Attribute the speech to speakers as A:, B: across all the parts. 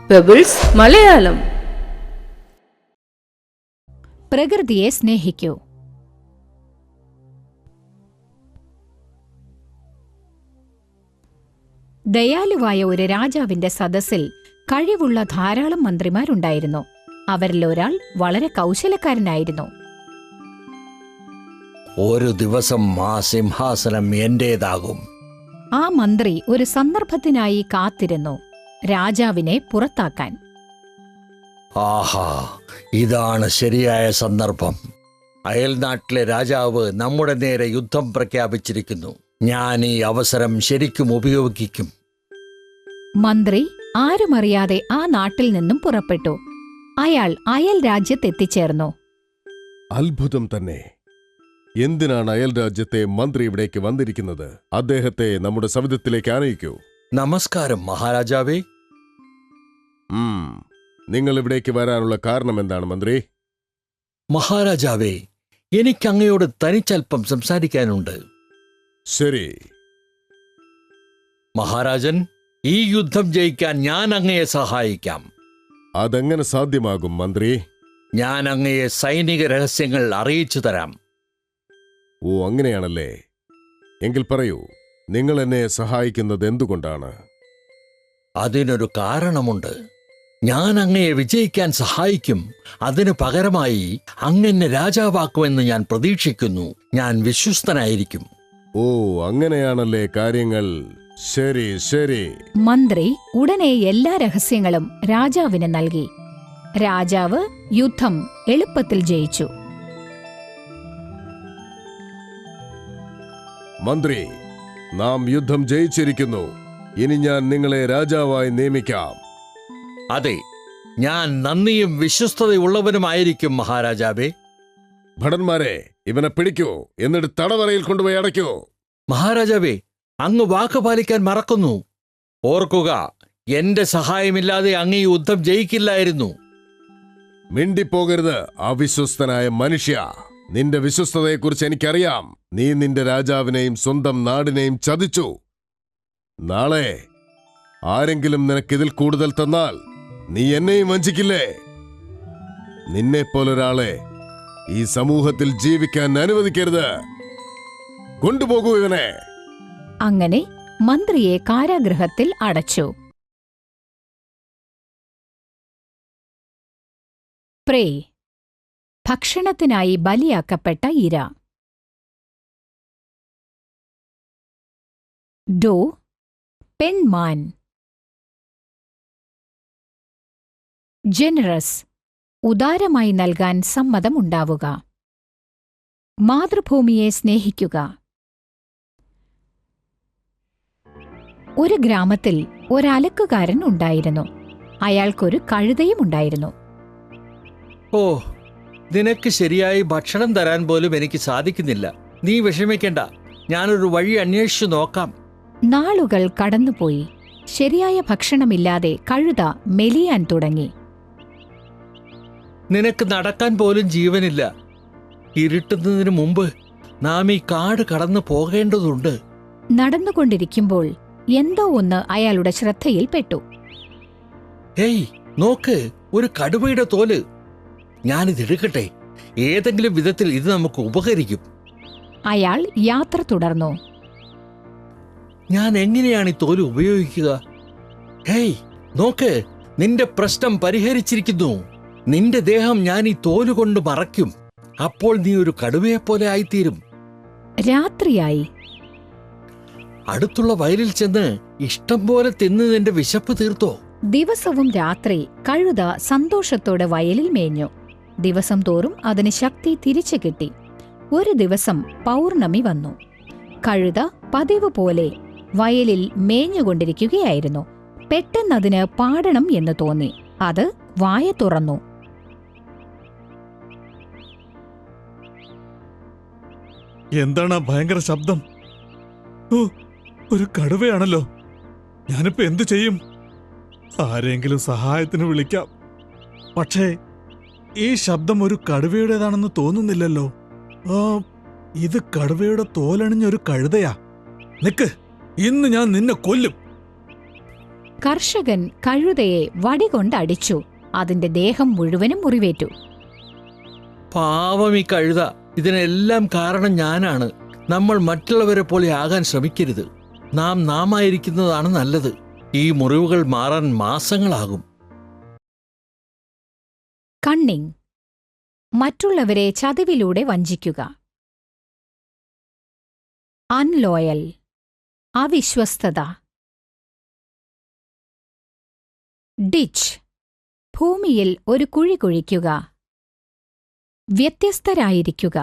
A: Pebbles Malayalam.
B: പ്രകൃതിയെ സ്നേഹിക്കൂ. ദയാലുവായ ഒരു രാജാവിന്റെ സദസ്സിൽ കഴിവുള്ള ധാരാളം മന്ത്രിമാരുണ്ടായിരുന്നു. അവരിലൊരാൾ വളരെ കൗശലക്കാരനായിരുന്നു.
C: ഒരു ദിവസം ആ സിംഹാസനം എന്റേതാകും.
B: ആ മന്ത്രി ഒരു സന്ദർഭത്തിനായി കാത്തിരുന്നു, രാജാവിനെ പുറത്താക്കാൻ.
C: ആഹാ, ഇതാണ് ശരിയായ സന്ദർഭം. അയൽനാട്ടിലെ രാജാവ് നമ്മുടെ നേരെ യുദ്ധം പ്രഖ്യാപിച്ചിരിക്കുന്നു. ഞാൻ ഈ അവസരം ശരിക്കും ഉപയോഗിക്കും.
B: മന്ത്രി ആരുമറിയാതെ ആ നാട്ടിൽ നിന്നും പുറപ്പെട്ടു. അയാൾ അയൽ രാജ്യത്തെത്തിച്ചേർന്നു.
D: അത്ഭുതം തന്നെ. എന്തിനാണ് അയൽ രാജ്യത്തെ മന്ത്രി ഇവിടേക്ക് വന്നിരിക്കുന്നത്? അദ്ദേഹത്തെ നമ്മുടെ സവിധത്തിലേക്ക് ആനയിക്കൂ.
C: നമസ്കാരം മഹാരാജാവേ.
D: നിങ്ങൾ ഇവിടേക്ക് വരാനുള്ള കാരണം എന്താണ് മന്ത്രി?
C: മഹാരാജാവേ, എനിക്ക് അങ്ങയോട് തനിച്ചൽപ്പം സംസാരിക്കാനുണ്ട്.
D: ശരി.
C: മഹാരാജൻ, ഈ യുദ്ധം ജയിക്കാൻ ഞാൻ അങ്ങയെ സഹായിക്കാം.
D: അതെങ്ങനെ സാധ്യമാകും മന്ത്രി?
C: ഞാൻ അങ്ങയെ സൈനിക രഹസ്യങ്ങൾ അറിയിച്ചു തരാം.
D: ഓ, അങ്ങനെയാണല്ലേ. എങ്കിൽ പറയൂ, നിങ്ങൾ എന്നെ സഹായിക്കുന്നത് എന്തുകൊണ്ടാണ്?
C: അതിനൊരു കാരണമുണ്ട്. ഞാൻ അങ്ങയെ വിജയിക്കാൻ സഹായിക്കും. അതിനു പകരമായി അങ്ങെന്നെ രാജാവാക്കുമെന്ന് ഞാൻ പ്രതീക്ഷിക്കുന്നു. ഞാൻ വിശ്വസ്തനായിരിക്കും.
D: ഓ, അങ്ങനെയാണല്ലേ കാര്യങ്ങൾ. ശരി ശരി.
B: മന്ത്രി ഉടനെ എല്ലാ രഹസ്യങ്ങളും രാജാവിന് നൽകി. രാജാവ് യുദ്ധം എളുപ്പത്തിൽ ജയിച്ചു.
D: മന്ത്രി, നാം യുദ്ധം ജയിച്ചിരിക്കുന്നു. ഇനി ഞാൻ നിങ്ങളെ രാജാവായി നിയമിക്കാം.
C: അതെ, ഞാൻ നന്ദിയും വിശ്വസ്തതയുള്ളവനുമായിരിക്കും മഹാരാജാവേ.
D: ഭടന്മാരെ, ഇവനെ പിടിക്കൂ, എന്നിട്ട് തടവറയിൽ കൊണ്ടുപോയി അടയ്ക്കൂ.
C: മഹാരാജാവേ, അങ്ങ് വാക്ക് പാലിക്കാൻ മറക്കുന്നു. ഓർക്കുക, എന്റെ സഹായമില്ലാതെ അങ്ങ് ഈ യുദ്ധം ജയിക്കില്ലായിരുന്നു.
D: മിണ്ടിപ്പോകരുത് അവിശ്വസ്തനായ മനുഷ്യ. നിന്റെ വിശ്വസ്തതയെക്കുറിച്ച് എനിക്കറിയാം. നീ നിന്റെ രാജാവിനെയും സ്വന്തം നാടിനെയും ചതിച്ചു. നാളെ ആരെങ്കിലും നിനക്കിതിൽ കൂടുതൽ തന്നാൽ നീ എന്നെയും വഞ്ചിക്കില്ലേ? നിന്നെപ്പോലൊരാളെ ഈ സമൂഹത്തിൽ ജീവിക്കാൻ അനുവദിക്കരുത്. കൊണ്ടുപോകൂ ഇവനെ.
B: അങ്ങനെ മന്ത്രിയെ കാരാഗൃഹത്തിൽ അടച്ചു. പ്രേ, ഭക്ഷണത്തിനായി ബലിയാക്കപ്പെട്ട ഇര. ഡോ, പെൺമാൻ. ജനറസ്, ഉദാരമായി നൽകാൻ സമ്മതമുണ്ടാവുക. മാതൃഭൂമിയെ സ്നേഹിക്കുക. ഒരു ഗ്രാമത്തിൽ ഒരലക്കുകാരൻ ഉണ്ടായിരുന്നു. അയാൾക്കൊരു കഴുതയും ഉണ്ടായിരുന്നു.
C: ഓ, നിനക്ക് ശരിയായി ഭക്ഷണം തരാൻ പോലും എനിക്ക് സാധിക്കുന്നില്ല. നീ വിഷമിക്കണ്ട, ഞാനൊരു വഴി അന്വേഷിച്ചു നോക്കാം.
B: നാളുകൾ കടന്നുപോയി. ശരിയായ ഭക്ഷണമില്ലാതെ കഴുത മെലിയാൻ തുടങ്ങി.
C: നിനക്ക് നടക്കാൻ പോലും ജീവനില്ല. ഇരുട്ടുന്നതിന് മുമ്പ് നാം ഈ കാട് കടന്നു പോകേണ്ടതുണ്ട്.
B: നടന്നുകൊണ്ടിരിക്കുമ്പോൾ എന്തോ ഒന്ന് അയാളുടെ ശ്രദ്ധയിൽപ്പെട്ടു.
C: ഹേയ്, നോക്ക്, ഒരു കടുവയുടെ തോല്. ഞാനിതെടുക്കട്ടെ. ഏതെങ്കിലും വിധത്തിൽ ഇത് നമുക്ക് ഉപകരിക്കും.
B: അയാൾ യാത്ര തുടർന്നു.
C: ഞാൻ എങ്ങനെയാണ് ഈ തോല് ഉപയോഗിക്കുക? ഹേയ്, നോക്ക്, നിന്റെ പ്രശ്നം പരിഹരിച്ചിരിക്കുന്നു. നിന്റെ ദേഹം ഞാൻ ഈ തോലുകൊണ്ട് മറയ്ക്കും. അപ്പോൾ നീ ഒരു കടുവയെപ്പോലെ ആയിത്തീരും.
B: രാത്രിയായി.
C: അടുത്തുള്ള വയലിൽ ചെന്ന് ഇഷ്ടം പോലെ തിന്ന് നിന്റെ വിശപ്പ് തീർത്തോ.
B: ദിവസവും രാത്രി കഴുത സന്തോഷത്തോടെ വയലിൽ മേഞ്ഞു. ദിവസം തോറും അതിന് ശക്തി തിരിച്ചു കിട്ടി. ഒരു ദിവസം പൗർണമി വന്നു. കഴുത പതിവ് പോലെ വയലിൽ മേഞ്ഞുകൊണ്ടിരിക്കുകയായിരുന്നു. പെട്ടെന്നതിന് പാടണം എന്ന് തോന്നി. അത് വായ തുറന്നു.
E: എന്താണ് ഭയങ്കര ശബ്ദം? ഓ, ഒരു കടുവയാണല്ലോ. ഞാനിപ്പോ എന്തു ചെയ്യും? ആരെങ്കിലും സഹായത്തിന് വിളിക്കാം. പക്ഷേ ഈ ശബ്ദം ഒരു കടുവയുടേതാണെന്ന് തോന്നുന്നില്ലല്ലോ. ഇത് കടുവയുടെ തോലണിഞ്ഞൊരു കഴുതയാ. നിക്ക്, ഇന്ന് ഞാൻ നിന്നെ കൊല്ലും.
B: കർഷകൻ കഴുതയെ വടികൊണ്ടടിച്ചു. അതിന്റെ ദേഹം മുഴുവനും മുറിവേറ്റു.
C: പാവം ഈ കഴുത, ഇതിനെല്ലാം കാരണം ഞാനാണ്. നമ്മൾ മറ്റുള്ളവരെ പോലെ ആകാൻ ശ്രമിക്കരുത്. നാമായിരിക്കുന്നതാണ് നല്ലത്. ഈ മുറിവുകൾ മാറാൻ മാസങ്ങളാകും.
B: കണ്ണിങ്, മറ്റുള്ളവരെ ചതിവിലൂടെ വഞ്ചിക്കുക. അൺലോയൽ, അവിശ്വസ്തത. ഡിച്ച്, ഭൂമിയിൽ ഒരു കുഴി കുഴിക്കുക. വ്യത്യസ്തരായിരിക്കുക.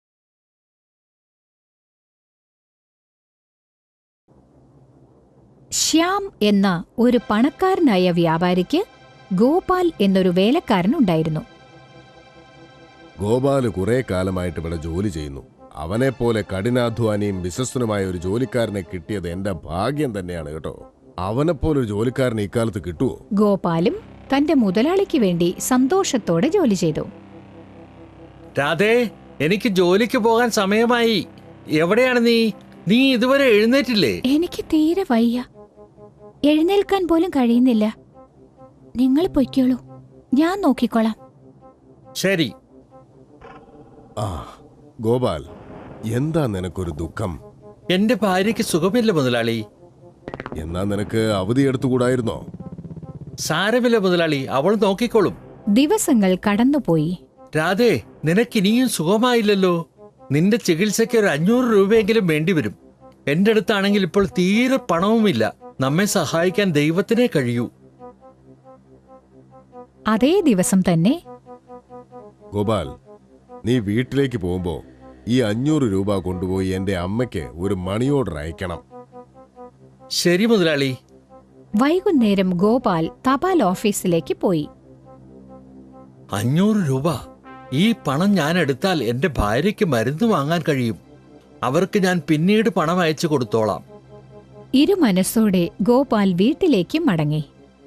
B: ശ്യാം എന്ന ഒരു പണക്കാരനായ വ്യാപാരിക്ക് ഗോപാൽ എന്നൊരു വേലക്കാരനുണ്ടായിരുന്നു.
D: ഗോപാല് കുറെ കാലമായിട്ട് ഇവിടെ ജോലി ചെയ്യുന്നു. അവനെപ്പോലെ കഠിനാധ്വാനിയും വിശ്വസ്തനുമായ ഒരു ജോലിക്കാരനെ കിട്ടിയത് എന്റെ ഭാഗ്യം തന്നെയാണ് കേട്ടോ. അവനെപ്പോലെ ഒരു ജോലിക്കാരനെ ഇക്കാലത്ത് കിട്ടുമോ?
B: ഗോപാലും തന്റെ മുതലാളിക്ക് വേണ്ടി സന്തോഷത്തോടെ ജോലി ചെയ്തു.
C: രാധേ, എനിക്ക് ജോലിക്ക് പോകാൻ സമയമായി. എവിടെയാണ് നീ ഇതുവരെ എഴുന്നേറ്റില്ലേ?
B: എനിക്ക് തീരെ വയ്യ. എഴുന്നേൽക്കാൻ പോലും കഴിയുന്നില്ല. നിങ്ങൾ പൊയ്ക്കോളൂ, ഞാൻ നോക്കിക്കോളാം.
C: ശരി.
D: ആ ഗോപാൽ, എന്താ നിനക്കൊരു ദുഃഖം?
C: എന്റെ ഭാര്യയ്ക്ക് സുഖമില്ല മുതലാളി.
D: എന്നാ നിനക്ക് അവധി എടുത്തുകൂടായിരുന്നോ?
C: സാരമില്ല മുതലാളി, അവൾ നോക്കിക്കോളും.
B: ദിവസങ്ങൾ കടന്നുപോയി.
C: രാധേ, നിനക്കിനിയും സുഖമായില്ലല്ലോ. നിന്റെ ചികിത്സയ്ക്ക് ഒരു 500 രൂപയെങ്കിലും വേണ്ടിവരും. എന്റെ അടുത്താണെങ്കിൽ ഇപ്പോൾ തീരെ പണവുമില്ല. നമ്മെ സഹായിക്കാൻ ദൈവത്തിനേ കഴിയൂ.
B: അതേ ദിവസം തന്നെ
D: ഗോപാൽ, നീ വീട്ടിലേക്ക് പോകുമ്പോ ഈ 500 രൂപ കൊണ്ടുപോയി എന്റെ അമ്മയ്ക്ക് ഒരു മണി ഓർഡർ അയക്കണം.
C: ശരി മുതലാളി.
B: വൈകുന്നേരം ഗോപാൽ തപാൽ ഓഫീസിലേക്ക് പോയി.
C: 500 രൂപ. ഈ പണം ഞാൻ എടുത്താൽ എന്റെ ഭാര്യയ്ക്ക് മരുന്ന് വാങ്ങാൻ കഴിയും. അവർക്ക് ഞാൻ പിന്നീട് പണം അയച്ചു കൊടുത്തോളാം.
B: ഇരുമനസ്സോടെ ഗോപാൽ വീട്ടിലേക്ക് മടങ്ങി.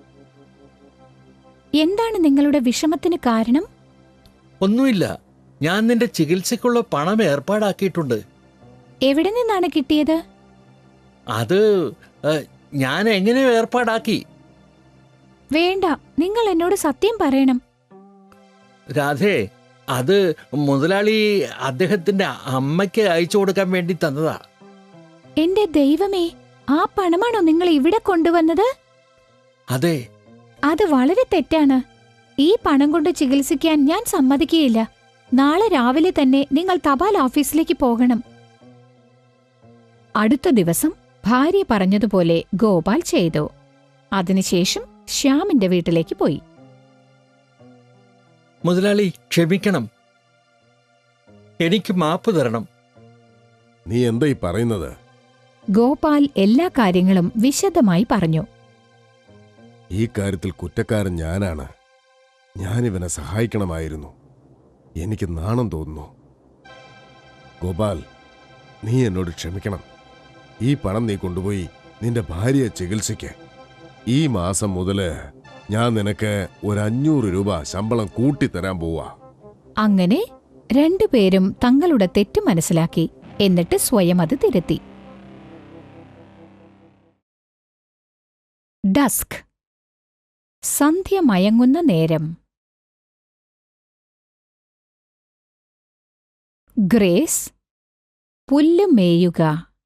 B: എന്താണ് നിങ്ങളുടെ വിഷമത്തിന് കാരണം?
C: ഒന്നുമില്ല, ഞാൻ നിന്റെ ചികിത്സയ്ക്കുള്ള പണം ഏർപ്പാടാക്കിയിട്ടുണ്ട്.
B: എവിടെ നിന്നാണ് കിട്ടിയത്?
C: അത് ഞാൻ എങ്ങനെയോ ഏർപ്പാടാക്കി.
B: വേണ്ട, നിങ്ങൾ എന്നോട് സത്യം പറയണം.
C: രാധേ, അത് മുതലാളി അദ്ദേഹത്തിന്റെ അമ്മയ്ക്ക് അയച്ചു കൊടുക്കാൻ വേണ്ടി തന്നതാ.
B: എന്റെ ദൈവമേ, ആ പണമാണോ നിങ്ങൾ ഇവിടെ കൊണ്ടുവന്നത്?
C: അതെ.
B: അത് വളരെ തെറ്റാണ്. ഈ പണം കൊണ്ട് ചികിത്സിക്കാൻ ഞാൻ സമ്മതിക്കുകയില്ല. നാളെ രാവിലെ തന്നെ നിങ്ങൾ തപാൽ ഓഫീസിലേക്ക് പോകണം. അടുത്ത ദിവസം ഭാര്യ പറഞ്ഞതുപോലെ ഗോപാൽ ചെയ്തു. അതിനുശേഷം ശ്യാമിന്റെ വീട്ടിലേക്ക് പോയി.
C: മുതലാളി, ക്ഷമിക്കണം. എനിക്ക് മാപ്പ് തരണം.
D: നീ എന്താ ഈ പറയുന്നത്?
B: ഗോപാൽ എല്ലാ കാര്യങ്ങളും വിശദമായി പറഞ്ഞു.
D: ഈ കാര്യത്തിൽ കുറ്റക്കാരൻ ഞാനാണ്. ഞാനിവനെ സഹായിക്കണമായിരുന്നു. എനിക്ക് നാണം തോന്നുന്നു. ഗോപാൽ, നീ എന്നോട് ക്ഷമിക്കണം. ഈ പണം നീ കൊണ്ടുപോയി നിന്റെ ഭാര്യയെ ചികിത്സിക്ക്. ഈ മാസം മുതല് ഞാൻ നിനക്ക് ഒരു 500 രൂപ ശമ്പളം കൂട്ടിത്തരാൻ പോവാ.
B: അങ്ങനെ രണ്ടുപേരും തങ്ങളുടെ തെറ്റ് മനസ്സിലാക്കി. എന്നിട്ട് സ്വയം അത് തിരുത്തി. ഡസ്ക്, സന്ധ്യ മയങ്ങുന്ന നേരം. ഗ്രേസ്, പുല്ല് മേയുക.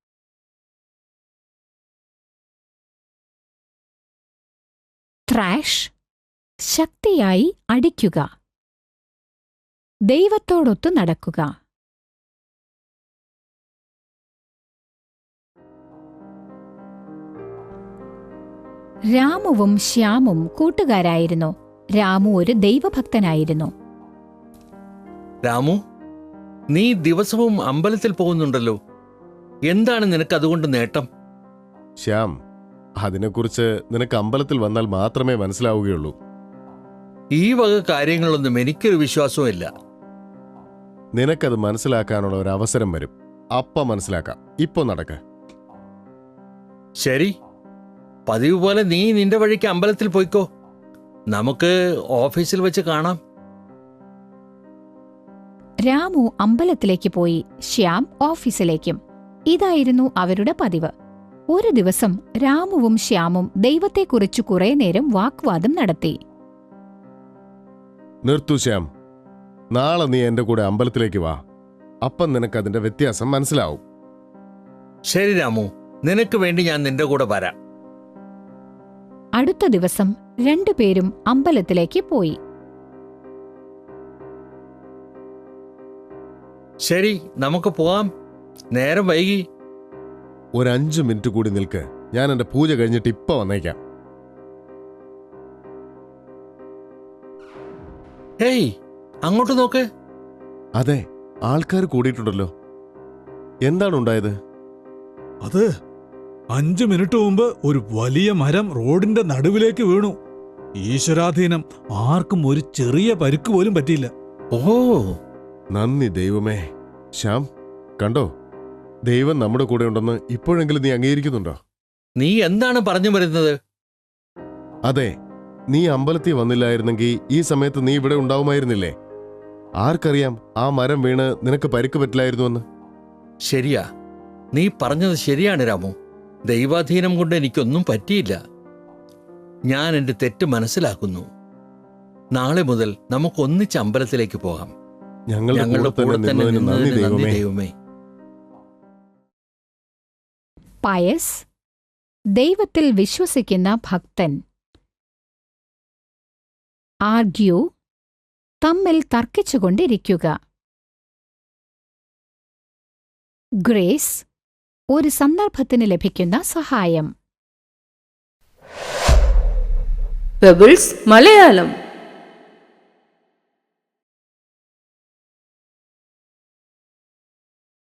B: ത്രാഷ്, ശക്തിയായി അടിക്കുക. ദൈവത്തോടൊത്തു നടക്കുക. രാമുവും ശ്യാമും കൂട്ടുകാരായിരുന്നു. രാമു ഒരു ദൈവഭക്തനായിരുന്നു.
C: രാമു, നീ ദിവസവും അമ്പലത്തിൽ പോകുന്നുണ്ടല്ലോ. എന്താണ് നിനക്ക് അതുകൊണ്ട് നേട്ടം?
D: ശ്യാം, അതിനെക്കുറിച്ച് നിനക്ക് അമ്പലത്തിൽ വന്നാൽ മാത്രമേ മനസ്സിലാവുകയുള്ളൂ.
C: ഈ വക കാര്യങ്ങളൊന്നും എനിക്കൊരു വിശ്വാസവുമില്ല.
D: നിനക്കത് മനസ്സിലാക്കാനുള്ള ഒരു അവസരം വരും. അപ്പം മനസ്സിലാക്കാം. ഇപ്പൊ നടക്ക്.
C: ശരി, പതിവ് പോലെ നീ നിന്റെ വഴിക്ക് അമ്പലത്തിൽ പോയിക്കോ. നമുക്ക് ഓഫീസിൽ വെച്ച് കാണാം.
B: രാമു അമ്പലത്തിലേക്ക് പോയി, ശ്യാം ഓഫീസിലേക്കും. ഇതായിരുന്നു അവരുടെ പതിവ്. ഒരു ദിവസം രാമുവും ശ്യാമും ദൈവത്തെക്കുറിച്ച് കുറെ നേരം വാഗ്വാദം നടത്തി.
D: നിർത്തു ശ്യാം, നാളെ നീ എന്റെ കൂടെ അമ്പലത്തിലേക്ക് വാ. അപ്പം നിനക്ക് അതിന്റെ വ്യത്യാസം മനസ്സിലാവും.
C: ശരി രാമു, നിനക്ക് വേണ്ടി ഞാൻ നിന്റെ കൂടെ വരാം.
B: അടുത്ത ദിവസം രണ്ടുപേരും അമ്പലത്തിലേക്ക് പോയി.
C: ശരി, നമുക്ക് പോവാം. നേരം വൈകി.
D: ഒരു 5 മിനിറ്റ് കൂടി നിൽക്ക്. ഞാൻ എന്റെ പൂജ കഴിഞ്ഞിട്ട് ഇപ്പൊ വന്നേക്കാം.
C: ഹേയ്, അങ്ങോട്ട് നോക്ക്.
D: അതെ, ആൾക്കാർ കൂടിയിട്ടുണ്ടല്ലോ. എന്താണ് ഉണ്ടായത്?
E: അത് 5 മിനിറ്റ് മുമ്പ് ഒരു വലിയ മരം റോഡിന്റെ നടുവിലേക്ക് വീണു. ഈശ്വരാധീനം, ആർക്കും ഒരു ചെറിയ പരിക്ക് പോലും പറ്റിയില്ല.
C: ഓ,
D: നന്ദി ദൈവമേ. ശ്യാം, കണ്ടോ, ദൈവം നമ്മുടെ കൂടെ ഉണ്ടെന്ന് ഇപ്പോഴെങ്കിലും നീ അംഗീകരിക്കുന്നുണ്ടോ?
C: നീ എന്താണ് പറഞ്ഞു വരുന്നത്?
D: അതെ, നീ അമ്പലത്തിൽ വന്നില്ലായിരുന്നെങ്കിൽ ഈ സമയത്ത് നീ ഇവിടെ ഉണ്ടാവുമായിരുന്നില്ലേ? ആർക്കറിയാം, ആ മരം വീണ് നിനക്ക് പരിക്ക് പറ്റില്ലായിരുന്നുവെന്ന്.
C: ശരിയാ, നീ പറഞ്ഞത് ശരിയാണ് രാമു. ദൈവാധീനം കൊണ്ട് എനിക്കൊന്നും പറ്റിയില്ല. ഞാൻ എന്റെ തെറ്റ് മനസ്സിലാക്കുന്നു. നാളെ മുതൽ നമുക്ക് ഒന്നിച്ച് അമ്പലത്തിലേക്ക് പോകാം.
D: ഞങ്ങളുടെ കൂടെ തന്നെ നിന്നതിന് നന്ദി ദൈവമേ.
C: ദൈവമേ.
B: പയസ്, ദൈവത്തിൽ വിശ്വസിക്കുന്ന ഭക്തൻ. ആർഗ്യൂ, തമ്മിൽ തർക്കിച്ചുകൊണ്ടിരിക്കുക. ഗ്രേസ്, ഒരു സന്ദർഭത്തിന് ലഭിക്കുന്ന സഹായം.
A: പെബിൾസ് മലയാളം.